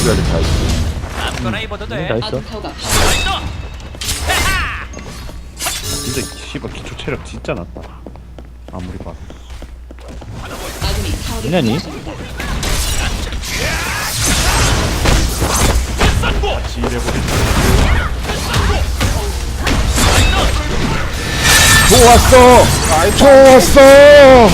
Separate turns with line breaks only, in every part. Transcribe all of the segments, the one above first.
아직 다 있어.
아무거나 입어도 돼.
다 있어.
진짜 씨발 기초 체력 진짜 낮다. 아무리 봐도.
뭐냐니?
같이 일해버리.
좋았어. 좋았어.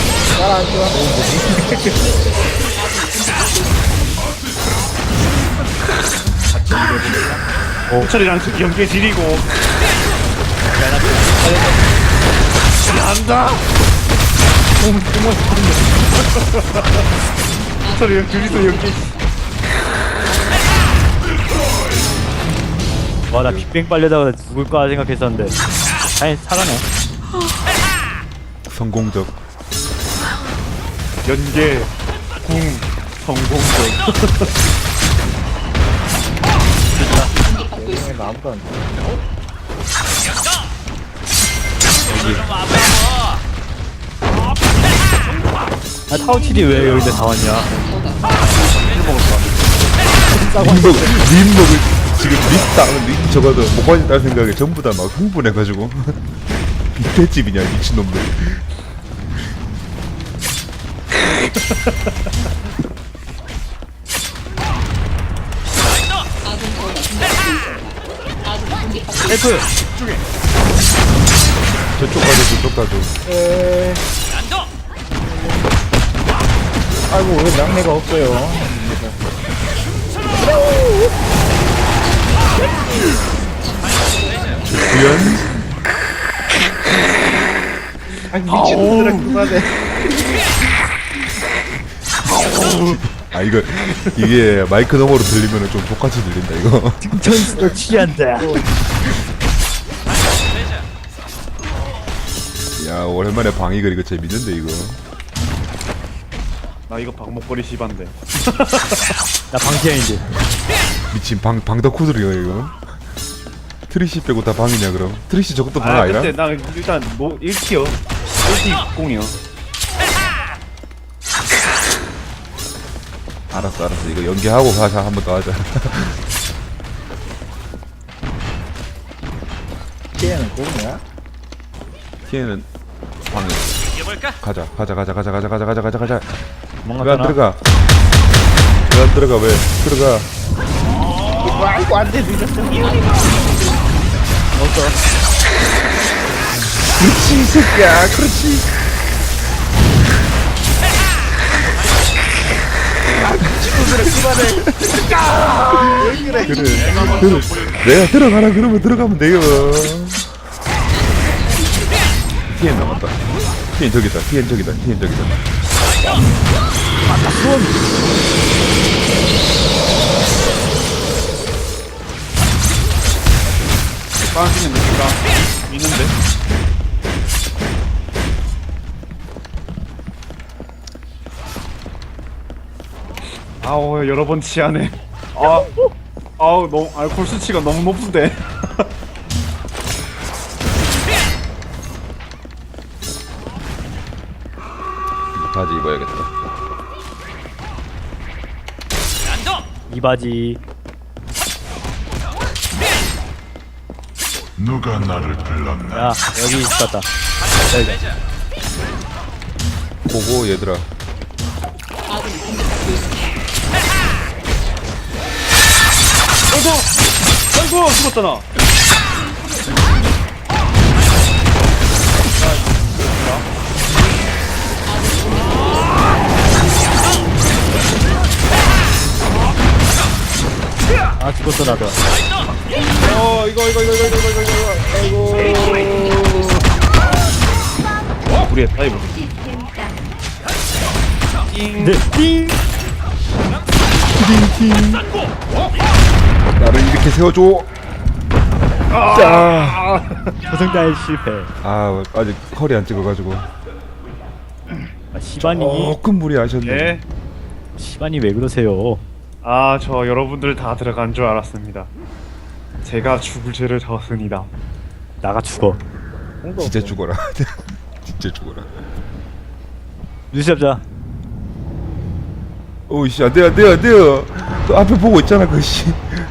호철이랑 연계 지리고. 안다. 호철이랑 둘이서 연계.
와, 나 빅뱅 빨려다가 죽을 거라 생각했었는데 다행히 살아네.
성공적.
연계 궁 성공적.
아무도 안 돼.
아, 타우칠이 왜 여기다 다 왔냐?
림먹을 지금 립 저거도 못 빠진다는 생각에 전부 다 막 흥분해가지고 빅대집이냐 미친놈들.
셀프!
저쪽 가줘 저쪽 가줘.
아이고 왜 양내가 없어요.
구현.
아니 미친놈들아 그만해.
아 이게 마이크 너머로 들리면은 좀 족같이 들린다 이거.
전수도 취한다.
야 오랜만에 방이글 이거 재밌는데 이거.
나 이거 박목걸이 씨반데.
나 방피아인데.
미친 방덕후들이야 이거. 트리시 빼고 다 방이냐 그럼? 트리시 저것도 방
아
아니라?
근데 나 일단 뭐 1티어 1티 공이요.
알았어 이거 연기하고 가자 한 번 더 하자.
걔는 공이야?
TN은 방이.
이겨볼까?
가자. 왜 안
도망갔잖아.
들어가? 왜 안 들어가? 왜 들어가?
아이고 안돼 늦었어.
그렇지 이 새끼야 그렇지. 그래 내가 들어가라 그러면 들어가면 돼요. TN 남았다. TN 저기다. TN 저기다.
빠지는 느낌가 있는데. 아우 여러 번 취하네. 아우 너무 알코올 수치가 너무 높은데.
바지 입어야겠다.
이 바지.
누가 나를 불렀나?
야, 여기 있었다.
보고 얘들아.
아이고 죽었다 나.
아, 죽었어, 나도.
이거 아이고. 우리의 타이브.
네, 띵!
나를 이렇게 세워줘. 자.
조성달 실패.
아 아직 컬이 안 찍어가지고.
아, 시반이.
조금 무리하셨네.
예.
시반이 왜 그러세요?
아, 저 여러분들 다 들어간 줄 알았습니다. 제가 죽을 죄를 졌습니다.
나가 죽어.
진짜 죽어라. 진짜 죽어라.
뉴스 잡자.
오이씨 안돼 안돼 안돼요. 그 앞에 보고 있잖아 그씨.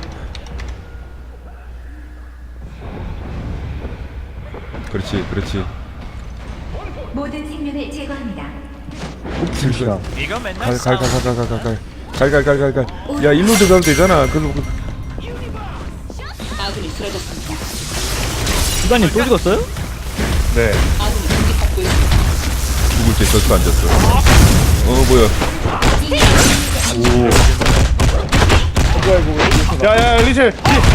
그렇지 그렇지.
모든 생명을 제거합니다.
실시간.
이거 맨날
갈갈갈갈갈갈갈갈갈갈갈. 야 일로 들어가면 되잖아. 그
시간님 또 죽었어요?
네.
죽을 때 졌어 안 졌어. 뭐야?
야야 리첼.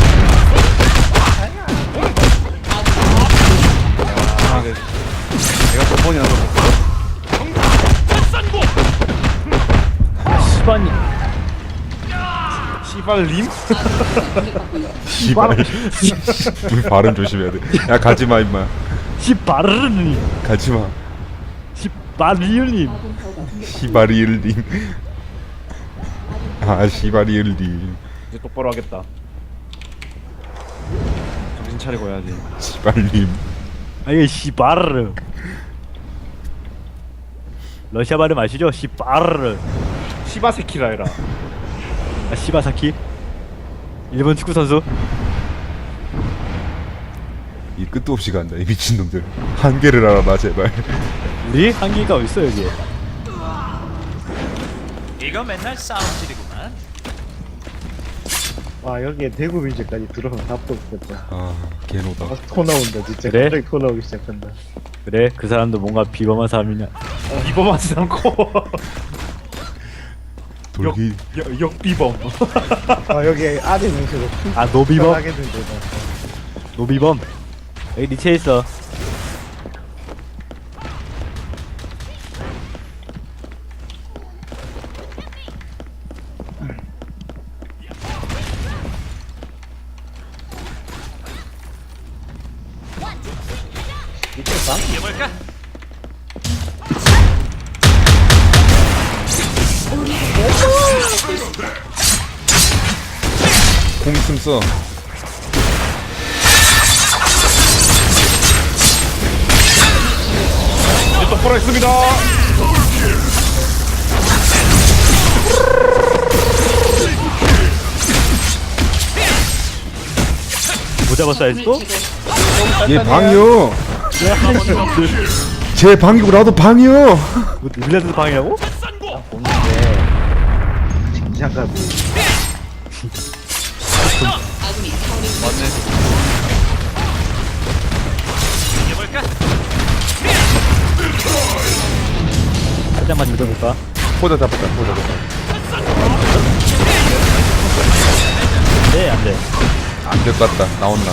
아, 네. 내가 몇 번이나 더.
시간님
씨발림?
씨발. 우리 발음 조심해야 돼. 야 가지마 임마.
시바르님
가지마.
시바리님
시바리을님. 아 시바리을님.
이제 똑바로 하겠다. 정신 차리고 해야지.
시발님.
아니 시바르 러시아 발음 아시죠? 시바르
시바세키라 해라.
아, 시바사키 일본 축구 선수
이 끝도 없이 간다 이 미친놈들. 한계를 알아봐 제발.
우리 한기가 어딨어 여기
이거 맨날 싸움질이구만.
와 여기에 대구 민재까지 들어오면 답도 없겠다.
아 개노다.
토 나온다 진짜.
그래?
갑자기 토 나오기 시작한다.
그래 그 사람도 뭔가 비범한 사람이냐
비범하지 않고
돌기.
역비범.
아 여기 아재 명세로
아 노비범?
하겠는데 나.
노비범 여기 니체 있어
이겨볼까?
공 있음 써.
이제 똑바로 했습니다.
못 잡았어 아직도?
얘 방이요. 제 방이고 나도 방이요.
뭐 밀려드는 방이라고?
보는데 긴장감이.
이겨볼까?
살짝만 믿어볼까?
포자 잡았다 포자 잡았다.
네 안돼
안될 것 같다. 나온나.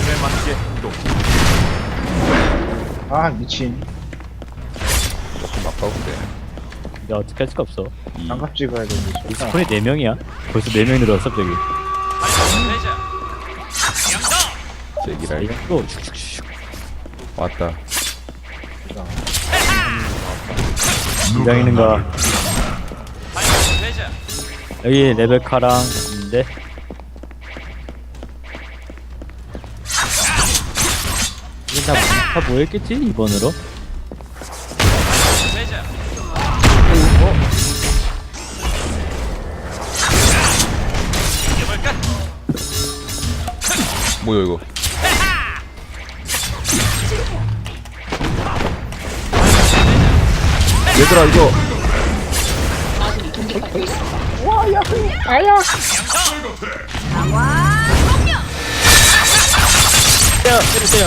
아 미친.
조금 아까운데.
이제 어떻게 할 수가 없어
장갑 찍어야 되는데.
이 스폰이 4명이야 벌써 4명이 늘어났어 갑자기
레이저. 양성.
제기라
이거 또 슉슉슉
왔다.
긴장 있는가
레이저.
여기 레베카랑 있는데 이게 다 뭐였겠지? 2번으로?
레이저. 이겨볼까?
뭐야 이거? 얘들아 이거
때려 때려 때려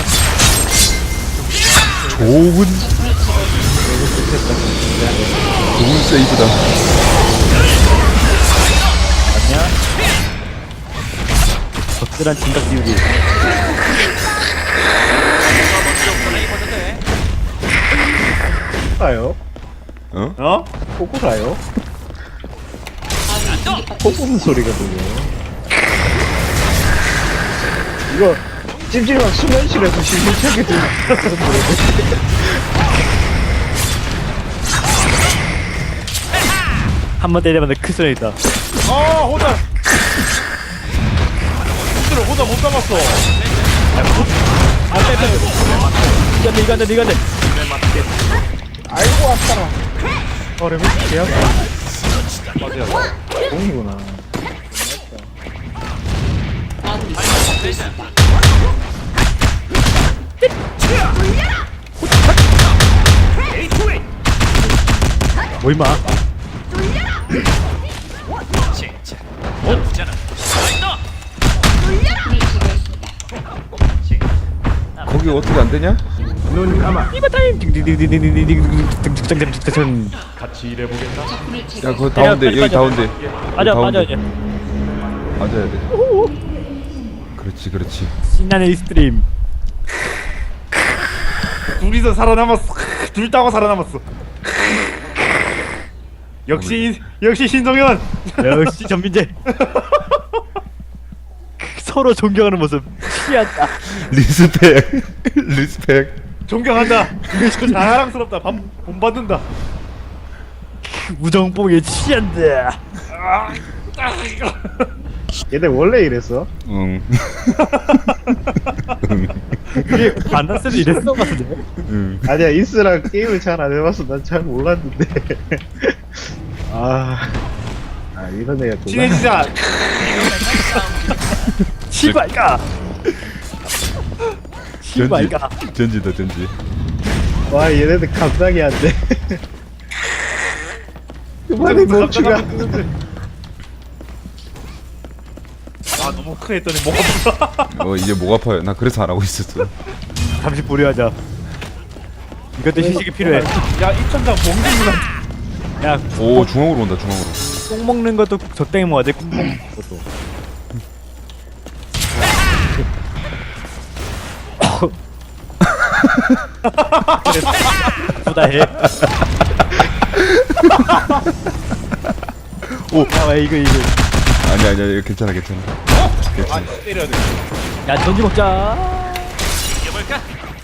좋은 세이브다.
맞냐? 적절한 진각 띄우기
전화 입어도 돼.
가요?
어?
어?
꼬꾸라요? 꼬꾸는 소리가 들려. 이거 찜질방 수면실에서 심심찮게 들려.
한 번 때리면 큰 소리 있다
아 호자. 실제로 호자 못 잡았어.
이거 안돼 이거 안돼
아이고 아파라. 레벨 개야. 공이구나.
발목 대자.
뭐 임마.
진짜. 나쁘잖아. 라이더.
거기 어떻게 안 되냐?
이거 타임. 딩딩딩딩딩딩딩딩딩딩딩딩.
야 그거 다운돼 여기 다운돼.
맞아 맞아.
맞아야 돼. 그렇지 그렇지.
신나는 익스트림.
둘이서 살아남았어. 둘 따고 살아남았어. 역시 신동현.
역시 전민재. 서로 존경하는 모습 취한다.
리스펙 리스펙.
존경한다. 자랑스럽다. 본받는다.
우정뽕에 취한다.
얘네 원래 이랬어?
응.
그게 만났을 때 이랬어 같은데.
응.
아니야 이스랑 게임을 잘 안 해봐서 난 잘 몰랐는데. 아 이런 애가 또.
친해지자.
시발가. 시발가.
전지다 전지.
와 얘네들 감당이 안 돼. 그만해 멈추가.
아 너무 크게 했더니 뭐가 아프다.
이제 목 아파요. 나 그래서 안 하고 있었어.
잠시 보류하자. 이것도 휴식이 필요해.
야 입천장 봉준이랑
야,
오 중앙으로 온다 중앙으로.
똥 먹는 것도 저 땡이 뭐야 돼? 똥 먹는 것도. 보다해.
오.
야, 이거.
아니야 이거 괜찮아 괜찮아. 괜찮아.
때려야 돼.
야, 전지 먹자.
이겨볼까?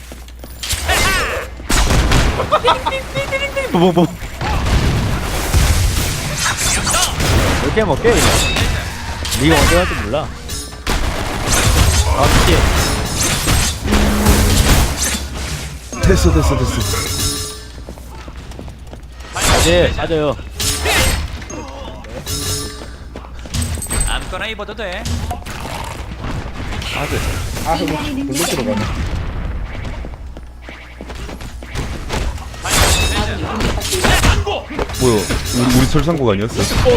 뭐. 이렇게 먹게. 네가 언제 갈지 몰라. 아, 씨.
됐어.
맞아요.
아무거나 입어도 돼.
아 이거 불로 들어가네.
뭐야? 우리 설상국 아니었어?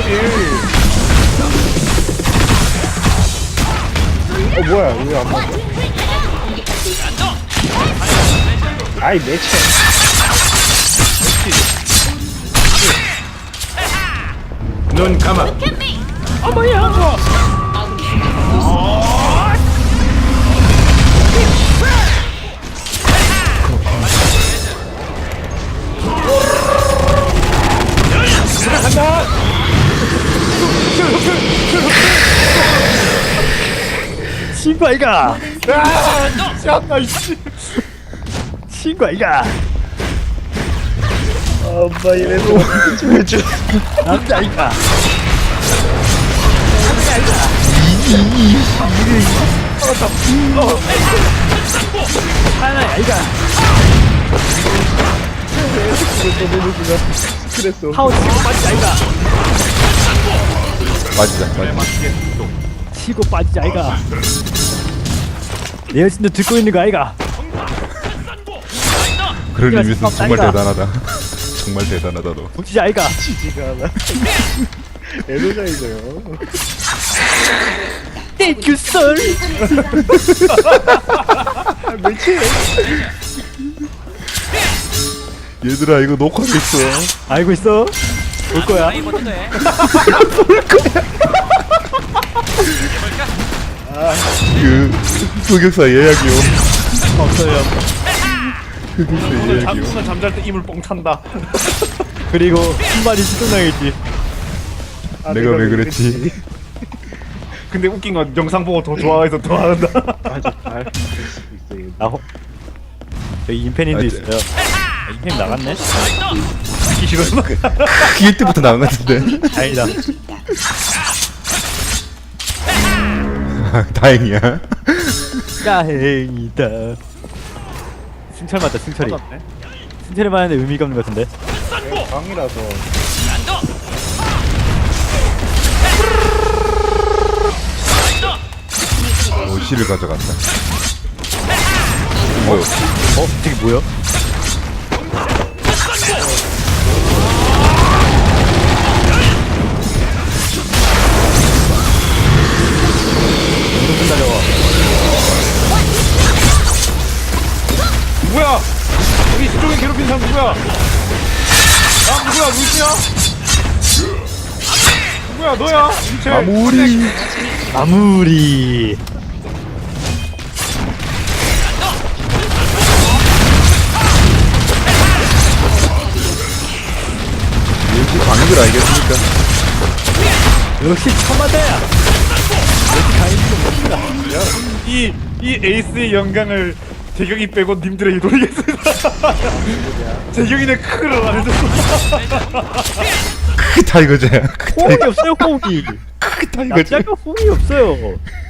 뭐야 왜 안 맞아? 아이 매체.
눈 감아.
친구아이가.
야 이씨.
친구아이가.
엄마 이래도 좀 해줘.
남자아이가. 하나야 아이가.
그랬어.
파워 치고 빠지자 아이가.
맞이자.
치고 빠지자 아이가. 내 여친도 듣고 있는 거 아이가.
그런 의미에서 정말
아이가.
대단하다. 정말 대단하다 너.
붙이자 아이가.
지지가 않아. 에너자이저요.
Thank you sir.
매체.
얘들아 이거 녹화됐어.
알고 있어? 올 거야.
아무거나 입어도 돼. 이겨볼까?
그 흑역사 예약이요.
없어요.
흑역사
오늘
예약이요.
잠잘 때 이물 뻥 찬다.
그리고 한마디 시동당했지.
내가 왜 그랬지?
근데 웃긴 건 영상 보고 더 좋아해서 더 한다.
맞아. 알 수도 있어.
나 여기 인펜인도
아,
있어요. 인펜 나갔네?
듣기 싫어서.
기회 때부터 나온 것 같은데.
다행이다.
다행이야.
다행이다. 승철 맞다, 승철이. 승철이 맞는데 의미가 없는 것 같은데.
강이라서.
어시를 가져갔다. 뭐야?
저게 뭐야? 무슨 달려와?
누구야? 우리 시종에 괴롭힌 사람 누구야? 아 누구야? 루시야? 누구야? 너야? 인체.
아무리
역시 방역을 알겠습니까?
역시 처마다야. 역시 가인이도 멋지다.
이 에이스의 영광을 재경이 빼고 님들에게 돌리겠습니다. 재경이네 크크를 안 해줬어.
크 타이거제. 크
호응이 없어요 호응이.
타이거제.
남자가 호응이 없어요.